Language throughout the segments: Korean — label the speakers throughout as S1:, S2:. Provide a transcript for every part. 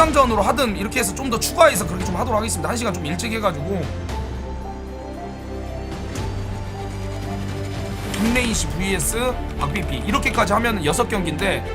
S1: 영상전으로 하든 이렇게 해서 좀 더 추가해서 그렇게 좀 하도록 하겠습니다. 1시간 좀 일찍 해가지고. 김레인씨 vs 박비비 이렇게까지 하면 6경기인데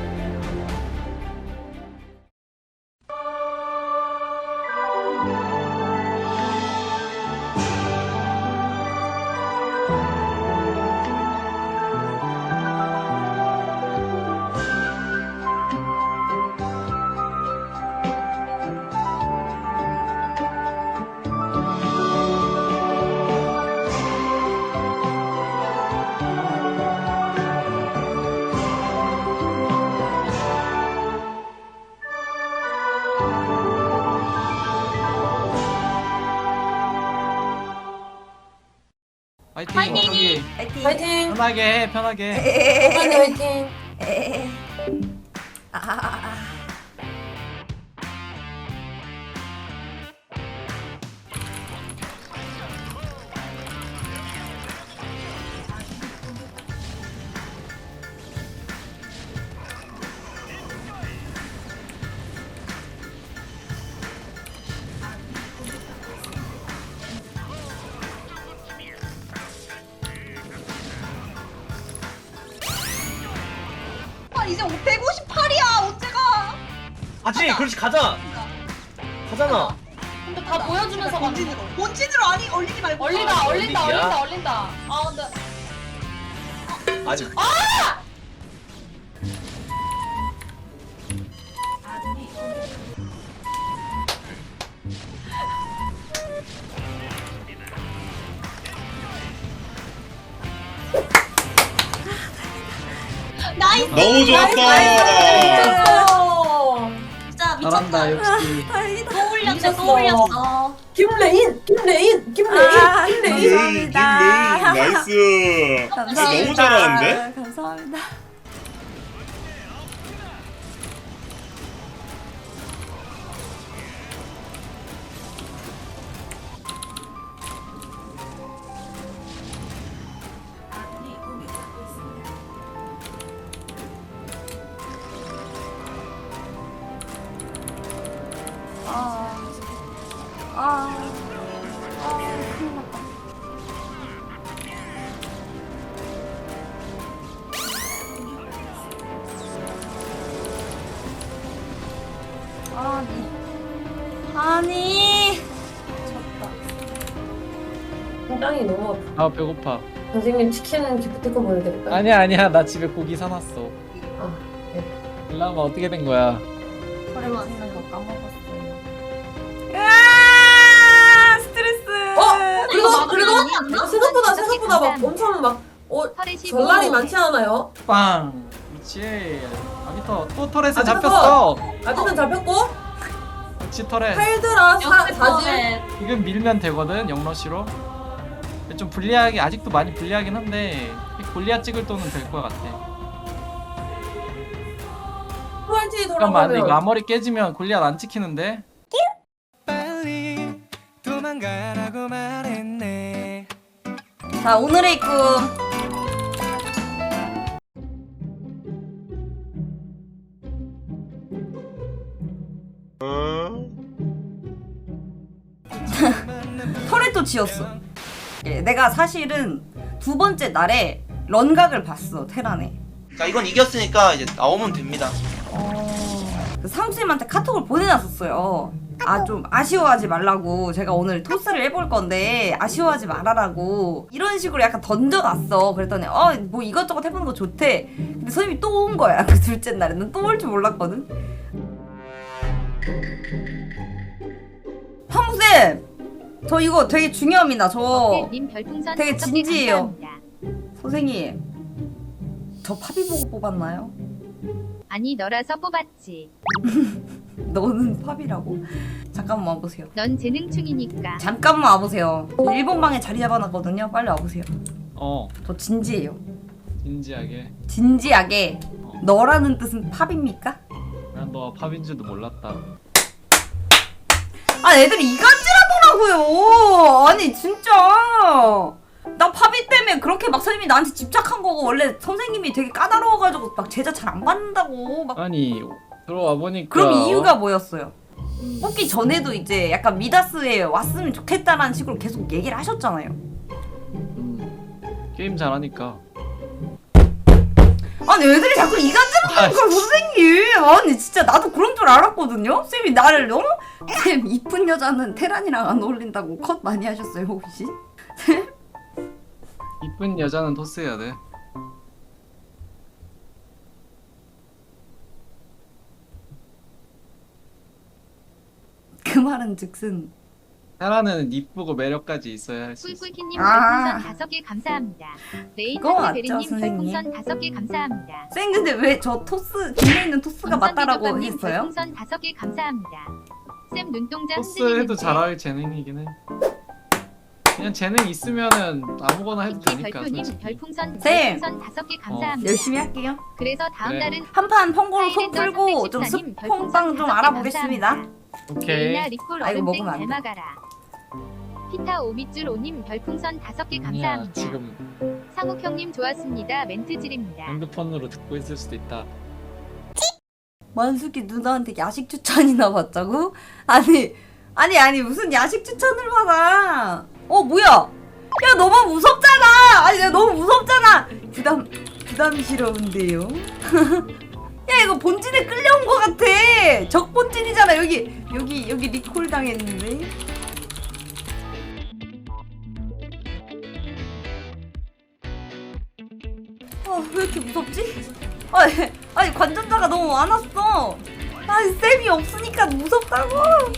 S2: 화이팅! 여기
S3: 파이팅.
S4: 파이팅!
S2: 편하게 해, 편하게.
S4: 파이팅! 파이팅!
S3: 이제 158이야 언제가?
S5: 아지 그렇지 가자. 가잖아.
S4: 근데 다 보여주면서 가는
S3: 본진으로 본진으로 아니 얼리지 말고
S4: 얼린다
S5: 얼리기야?
S4: 얼린다 아 근데
S5: 아직.
S3: 나이스.
S6: 너무 좋았다.
S3: 진짜 미쳤다.
S2: 잘한다, 역시.
S3: 또 올렸어 또 올렸어.
S4: 김레인!
S6: 감사합니다. 나이스.
S7: 감사합니다.
S6: 너무 잘하는데?
S7: 감사합니다. 큰일 났다. 아니. 졌다.
S4: 심장이 너무 아파.
S2: 아, 배고파.
S4: 선생님 치킨 기프티콘 보내드릴까요?
S2: 아니야. 나 집에 고기 사놨어.
S4: 아, 네.
S2: 일라마 어떻게 된 거야?
S7: 소리 듣는 거 까먹었어요. 으아! 스트레스.
S4: 그리고 생각보다 막 엄청 막 전날이 많지 않아요?
S2: 빵! 그렇지. 아기터, 또 터렛에
S4: 아기터.
S2: 잡혔어!
S4: 아직은 잡혔고
S2: 그렇지, 터렛.
S4: 팔드라 4질
S2: 지금 밀면 되거든, 영러시로. 근데 좀 불리하게, 아직도 많이 불리하긴 한데, 골리앗 찍을 돈은 될 것 같아.
S4: 프라이티
S2: 잠깐만, 근데 이거
S4: 돌아가면
S2: 앞머리 깨지면 골리앗 안 찍히는데?
S8: 도망가라고 말했네.
S7: 자, 오늘의 꿈. 터렛도 지었어. 예, 내가 사실은 두 번째 날에 런각을 봤어, 테란에.
S9: 자 이건 이겼으니까 이제 나오면 됩니다.
S7: 그 상수님한테 카톡을 보내놨었어요. 아, 좀 아쉬워하지 말라고. 제가 오늘 토스를 해볼 건데 아쉬워하지 말아라고 이런 식으로 약간 던져놨어. 그랬더니 뭐 이것저것 해보는 거 좋대. 근데 선생님이 또 온 거야. 그 둘째 날에는 또 올 줄 몰랐거든. 형쌤, 저 이거 되게 중요합니다. 저 되게 진지해요. 선생님, 저 파비 보고 뽑았나요?
S10: 아니 너라서 뽑았지.
S7: 너는 팝이라고? 잠깐만 와보세요.
S10: 넌 재능충이니까.
S7: 잠깐만 와보세요. 저 일본 방에 자리 잡아놨거든요. 빨리 와보세요. 저 진지해요.
S2: 진지하게.
S7: 진지하게. 너라는 뜻은 팝입니까?
S2: 난 너가 팝인 줄도 몰랐다.
S7: 아, 애들이 이간질하더라고요. 아니 진짜 나 팝이 때문에 그렇게 막 선생님이 나한테 집착한 거고, 원래 선생님이 되게 까다로워가지고 막 제자 잘 안 받는다고 막.
S2: 아니 들어와 보니까
S7: 그럼 이유가 뭐였어요? 뽑기 전에도 이제 약간 미다스에 왔으면 좋겠다라는 식으로 계속 얘기를 하셨잖아요.
S2: 게임 잘하니까.
S7: 아니 애들이 자꾸 이간질하는 걸 선생님. 아니 진짜 나도 그런 줄 알았거든요. 쌤이 나를 너무 쌤 이쁜 여자는 테란이랑 안 어울린다고 컷 많이 하셨어요 혹시?
S2: 이쁜 여자는 토스해야 돼.
S7: 그 말은 즉슨
S2: 테라는 이쁘고 매력까지 있어야 할 수 있어.
S10: 꿀꿀키님
S7: 아.
S10: 별풍선 5개 감사합니다. 레인
S7: 그거 맞죠,
S10: 베리님
S7: 선생님?
S10: 별풍선 5개 감사합니다.
S7: 쌤 근데 왜 저 토스 김에 있는 토스가 맞다라고
S10: 김선비
S7: 했어요?
S10: 별풍선 5개 감사합니다. 쌤 눈동자
S2: 토스 해도
S10: 흔들리는데.
S2: 잘할 재능이긴 해. 그냥 재능 있으면은 아무거나 해도
S10: 키키
S2: 되니까
S10: 별표님
S2: 솔직히.
S10: 별풍선
S7: 쌤.
S10: 5개 감사합니다.
S7: 열심히 할게요.
S10: 그래서 다음
S2: 그래.
S10: 달은
S7: 한판 펑고로 속
S10: 사이렌더
S7: 풀고 좀
S10: 314님
S7: 스폰빵 좀
S10: 별풍선
S7: 알아보겠습니다.
S10: 5개
S2: 오케이.
S10: 레이나 리콜
S7: 아, 이거
S10: 얼음땡
S7: 먹으면 안 돼.
S10: 닮아가라. 피타 오미줄 오님 별풍선 5개
S2: 아니야
S10: 감사합니다.
S2: 지금
S10: 상욱형님 좋았습니다. 멘트 지립니다.
S2: 핸드폰으로 듣고 있을 수도 있다.
S7: 만숙이 누나한테 야식 추천이나 받자고? 아니 무슨 야식 추천을 받아? 뭐야? 야 너무 무섭잖아. 아니 내가 너무 무섭잖아. 부담스러운데요. 야 이거 본진에 끌려온 것 같아. 적 본진이잖아. 여기 리콜 당했는데. 왜 이렇게 무섭지? 아니 관전자가 너무 많았어. 아니 쌤이 없으니까 무섭다고.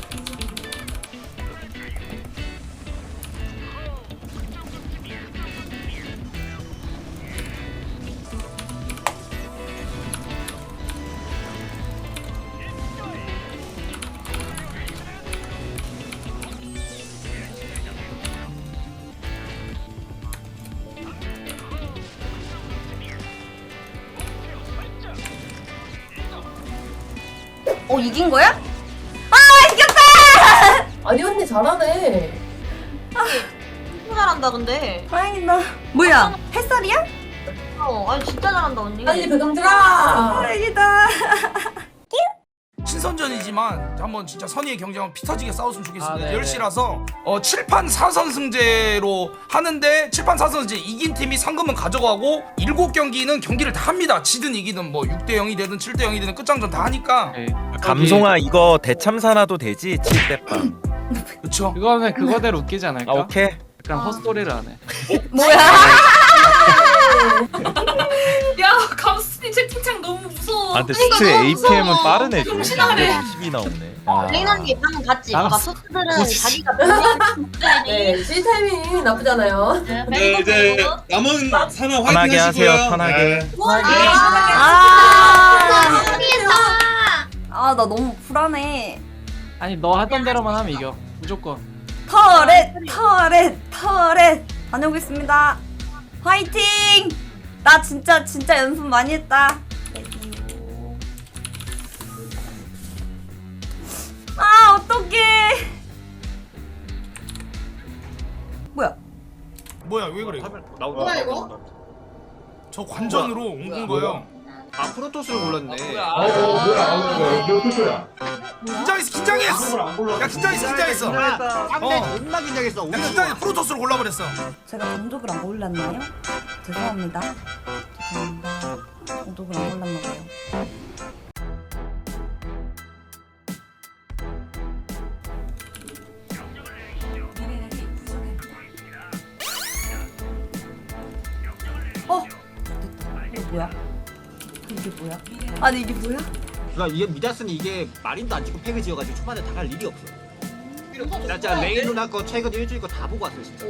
S7: 이긴 거야? 이겼다!
S4: 아니 언니 잘하네.
S3: 진짜 잘한다 근데.
S7: 다행이다. 뭐야? 햇살이야?
S3: 아니 진짜 잘한다 언니.
S4: 빨리 배경 들아.
S7: 다행이다.
S1: 신선전이지만 한번 진짜 선의의 경쟁하면 피 터지게 싸웠으면 좋겠습니다.
S2: 아, 네네.
S1: 10시라서 7판 4선승제로 하는데 7판 4선승제 이긴 팀이 상금은 가져가고 7경기는 경기를 다 합니다. 지든 이기든 뭐 6대 0이 되든 7대 0이 되든 끝장전 다 하니까.
S2: 오케이.
S11: 감송아 이거 대참사나도 되지? 7대8
S1: 그쵸?
S2: 그거는 그거대로 웃기지 않을까?
S11: 아 오케이
S2: 약간 헛소리를 안 해.
S7: 뭐야?
S4: 야 감스님 채팅창 너무 무서워.
S11: 아 근데 스트 APM은 빠르네 좀
S4: 정신하네.
S11: 10이 나오네 아.
S3: 레인 언니 방금 봤지?
S2: 나갔어.
S3: 봐봐 소스들은 자기가 본인을
S4: 네, C 타이밍 나쁘잖아요.
S6: 네, 이제 남은 사나 화이팅
S11: 편하게
S6: 하시고요.
S11: 하세요, 편하게.
S6: 네.
S7: 나 너무 불안해.
S2: 아니 너 하던 대로만 하면 이겨. 무조건.
S7: 터렛 다녀오겠습니다. 화이팅! 나 진짜 연습 많이 했다. 어떡해.
S1: 뭐야 왜 그래?
S5: 뭐야
S4: 이거?
S1: 저 관전으로 온 거예요.
S5: 아 프로토스를 골랐네.
S1: 긴장했어. 야 긴장했어.
S5: 존나 긴장했어.
S1: 야 긴장해. 프로토스를 골라버렸어.
S7: 제가 동족을 안 골랐나요? 죄송합니다. 동족을 안 골랐나 봐요. 이게 뭐야? 아니 이게 뭐야?
S5: 그러니까 이게 미다스는 이게 마린도 안 찍고 팩을 지어가지고 초반에 다 갈 일이 없어. 나 진짜 레인 누나 거 최근 일주일 거 다 보고 왔어 진짜.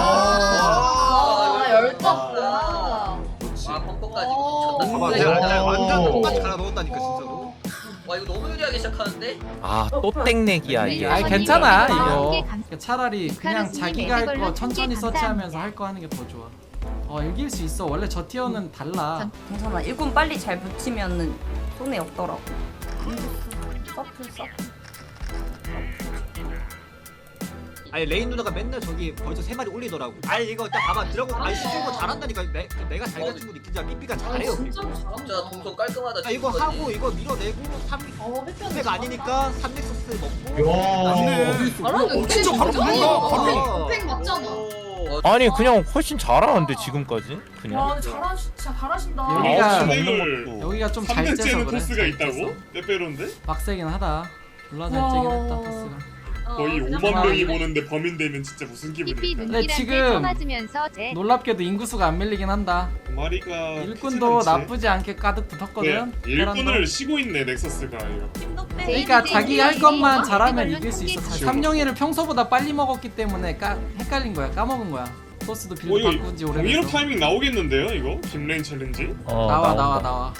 S4: 열받다.
S5: 벙커까지. 봐봐, 내가 완전 똑같이 갈아 넣었다니까 진짜로.
S12: 와 이거 너무 유리하게 시작하는데?
S11: 아 또 땡내기야 이게
S2: 아니 괜찮아
S10: 네,
S2: 이거.
S10: 네, 감-
S2: 차라리 그냥
S10: 카루스님
S2: 자기가 할 거
S10: 에드걸로
S2: 천천히
S10: 1000개
S2: 서치하면서
S10: 감사합니다.
S2: 할 거 하는 게 더 좋아. 이길 수 있어. 원래 저 티어는 달라.
S7: 괜찮아. 일꾼 빨리 잘 붙이면은 손해 없더라고. 서플.
S5: 아니 레인 누나가 맨날 저기 벌써 3마리 올리더라고. 아니 이거 딱 봐봐 드라곤 아니 이거 잘한다니까. 내가 잘 가진 거 진짜 삐삐가 잘해요.
S4: 진짜 잘한다.
S12: 진짜 동선 깔끔하다.
S5: 아 이거
S12: 지금까지.
S5: 하고 이거 밀어내고 3가 아니니까 3넥서스 먹고.
S1: 진짜 바로 먹는다. 바로.
S4: 팩 맞잖아.
S11: 아니 그냥 훨씬 잘하는데 지금까지
S4: 와
S11: 그냥.
S4: 근데 진짜 잘하신다.
S2: 여기가
S6: 먹는 것도
S2: 여기가 좀 잘 째서
S6: 3대째는
S2: 그래.
S6: 토스가 있다고? 빼빼로인데?
S2: 빡세긴 하다. 졸라 잘 째긴 했다 토스가.
S6: 거의
S3: 그냥
S6: 5만
S2: 막-
S6: 명이 보는데 범인 되면 진짜 무슨
S10: 삐삐
S6: 기분일까?
S10: 눈길한테
S2: 지금
S10: 쳐맞으면서 제
S2: 놀랍게도 인구수가 안 밀리긴 한다.
S6: 마리가
S2: 일꾼도
S6: 크진 않지?
S2: 나쁘지 않게 가득 붙었거든.
S6: 네, 일꾼을 쉬고 있네 넥서스가 이거.
S2: 그러니까 자기 할 것만 잘하면
S10: 이걸로
S2: 이길 수 있어.
S10: 통계
S2: 삼룡이를 평소보다 빨리 먹었기 때문에 헷갈린 거야. 까먹은 거야. 토스도 빌드
S6: 이거
S2: 바꾼 지
S6: 공이로
S2: 오래돼서.
S6: 타이밍 나오겠는데요 이거? 김레인 챌린지?
S2: 나와.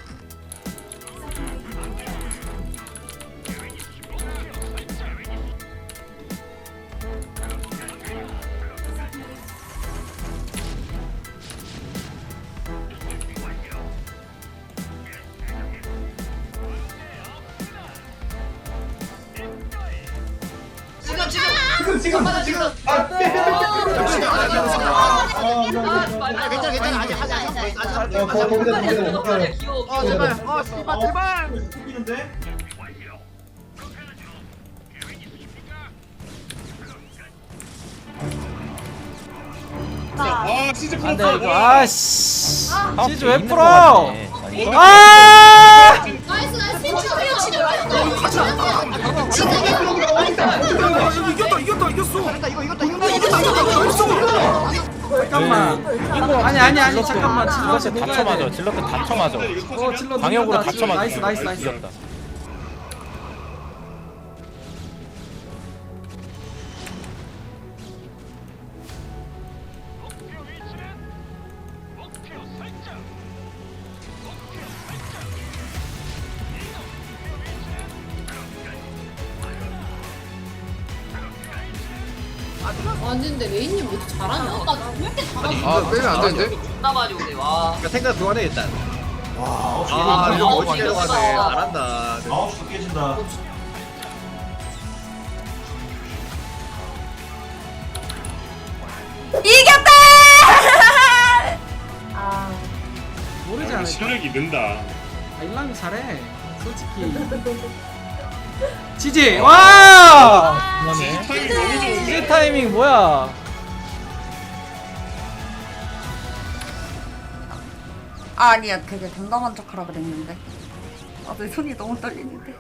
S5: 괜찮아 아직
S12: 귀여워.
S5: 제발 제발.
S6: 아 진짜
S2: 안돼
S6: 풀었어.
S2: 이거 아씨. 시즈 왜
S11: 있는 거
S2: 풀어?
S11: 같네. 아니,
S2: 아!
S4: 나이스 나이스.
S1: 이겼다 이겼어.
S2: 잠깐만. 아니 잠깐만.
S11: 질럿에
S2: 질럿에
S11: 다쳐 맞아. 질럿에 다쳐 맞아.
S2: 질럿
S11: 방역으로
S2: 누군가
S11: 다쳐 맞아.
S2: 나이스.
S11: 이겼다.
S4: 아니 근데 레인님 왜 이렇게 잘하냐? 아까 왜 이렇게 잘하냐?
S5: 아 빼면 안 되는데?
S12: 존나 많이 오네. 와.
S5: 생각 그만해 일단.
S12: 아,
S5: 이거 멋지게
S12: 멋지다.
S5: 가네. 잘한다.
S7: 이겼다! 아,
S2: 모르지
S6: 아,
S2: 않을까?
S6: 실력이 는다.
S2: 아, 일랑이 잘해. 솔직히. 지지. 와!
S6: 타이밍 너무
S2: 지지
S6: 좋은데?
S2: 타이밍 뭐야?
S7: 아니야, 되게 당당한 척하라 그랬는데. 아, 내 손이 너무 떨리는데.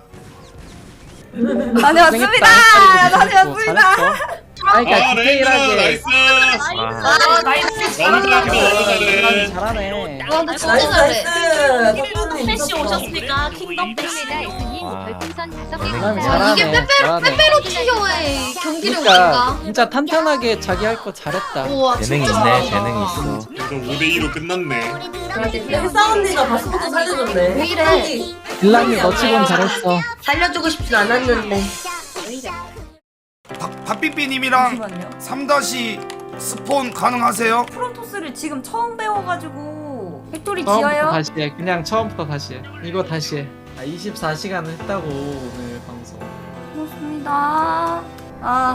S7: 다녀왔습니다! 다녀왔습니다!
S2: 아니 그러니까
S6: 아 레이나
S2: 디테일하게.
S6: 나이스.
S4: 나이스.
S6: 너무 잘한다.
S2: 일랑이 잘하네.
S4: 와 근데 진짜 잘해.
S3: 패시 오셨으니까 킹덤 패시.
S10: 킬레다 에스님
S4: 아.
S10: 별풍선 5개
S2: 일랑이
S10: 감사합니다.
S2: 잘하네. 잘하네.
S4: 페페로티오의 경기력인가?
S2: 그러니까 진짜 탄탄하게 자기 할 거 잘했다.
S4: 우와
S11: 재능이
S4: 진짜
S11: 있네.
S4: 잘한다.
S11: 재능이 있어.
S6: 그래서 5대2로 끝났네.
S4: 혜사 언니가 바스부터 살려줬네. 왜 이래?
S2: 일랑이 너 치곤 잘했어.
S3: 살려주고 싶진 않았는데.
S1: 박삐삐님이랑
S7: 잠시만요.
S1: 3다시 스폰 가능하세요?
S7: 프론토스를 지금 처음 배워가지고 팩토리
S2: 처음부터
S7: 지어요?
S2: 다시 해. 그냥 처음부터 다시 해. 이거 다시 해. 24시간을 했다고 오늘 방송.
S7: 고맙습니다. 아,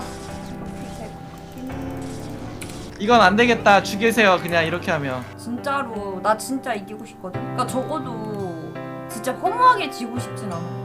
S2: 이건 안 되겠다. 죽이세요. 그냥 이렇게 하면.
S7: 진짜로 나 진짜 이기고 싶거든. 그러니까 적어도 진짜 허무하게 지고 싶진 않아.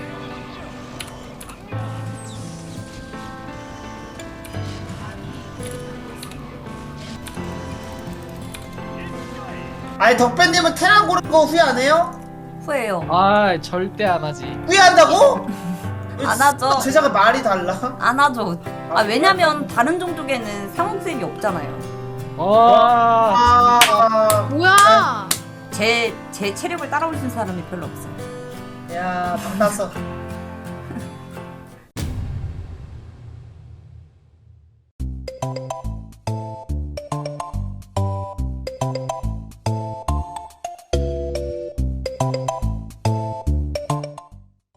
S9: 아니 덕배님은 테란 고른 거 후회 안 해요?
S7: 후회해요.
S2: 아 절대 안 하지.
S9: 후회한다고?
S7: 안 하죠.
S9: 제자가 말이 달라.
S7: 안 하죠. 아, 왜냐면 다른 종족에는 상호쌤이 없잖아요.
S2: 와.
S9: 아,
S4: 뭐야?
S7: 제 체력을 따라올 수 있는 사람이 별로 없어요.
S9: 야, 방 땄어.